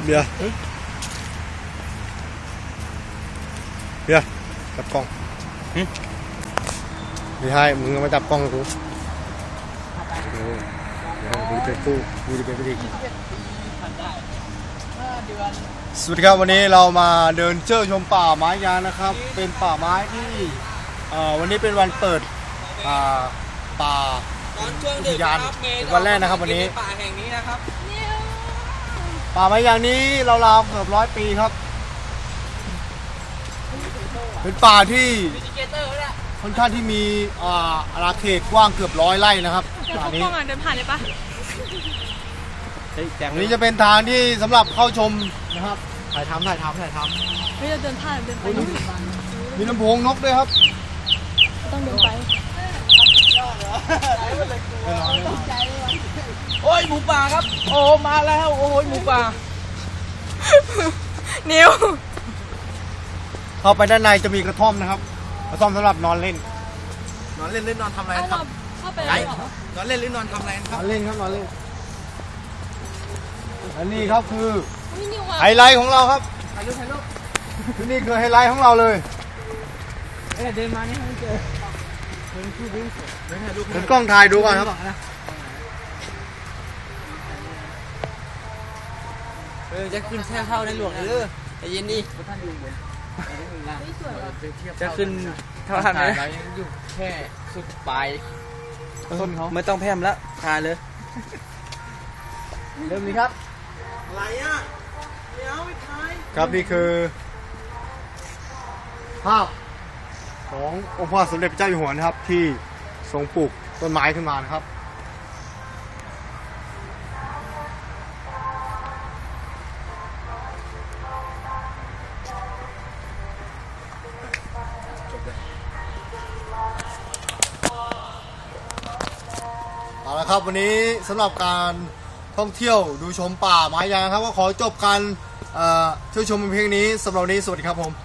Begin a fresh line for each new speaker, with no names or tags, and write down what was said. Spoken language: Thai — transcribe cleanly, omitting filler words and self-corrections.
เบียร์จับกล้องไม่ใช่มึงมาจับกล้องกูกูจะเป็นผู้กูจะเป็นผู้ดีสวัสดีครับวันนี้เรามาเดินเที่ยวชมป่าไม้ยางนะครับเป็นป่าไม้ที่วันนี้เป็นวันเปิดป่าอุทยานเป็นวันแรกนะครับวันนี้
ป่าแห่งนี้นะครับ
ป่าไม้ยางนี้ราวๆเกือบ100 ปีครับเป็นป่าที่ค่อนข้างที่มีอาณาเขตกว้างเกือบ100 ไร่นะครับป่านี้
เดินผ่านเลยปะ
อันนี้จะเป็นทางที่สำหรับเข้าชมนะครับถ่ายทำ
เฮ้ยเราเดินผ่านเดินไป
มีลำโพงนกด้วยครับ
ต้องเดินไป
โอ้ยหมูป่าครับโอ้มาแล้วโอ้ยหมูป่า
นิว
เข้าไปด้านในจะมีกระท่อมนะครับกระท่อมสำหรับนอนเล่น
หรือนอนทำอะไรครับ
เข้าไปเลย
นอนเล่นหรือนอนทำอะไรครับ
นอนเล่นครับนอนเล่นอันนี้ครับคือไฮไลท์ของเราครับ
ถ่ายรูป
นี่คือไฮไลท์ของเราเลย
เดินมานี่ไม่เจอ
เป็นกล้องถ่ายดูก่อนครับ
จะขึ้นแท่เท่าในหลวงแต่เย็นดีจะขึ้นเท่าทันไหมอยู่แค่สุดปลายต้นเขาไม่ต้องแพมแล้วทานเลยเริ่มนี้ครับอะไรอ่ะเดี๋ยวไปถ่าย
ครับนี่คือภาพขององค์พระสมเด็จพระเจ้าอยู่หัวนะครับที่ทรงปลูกต้นไม้ขึ้นมานะครับเอาละครับวันนี้สำหรับการท่องเที่ยวดูชมป่าไม้ยางครับก็ขอจบการเที่ยวชมเพียงนี้สำหรับวันนี้สวัสดีครับผม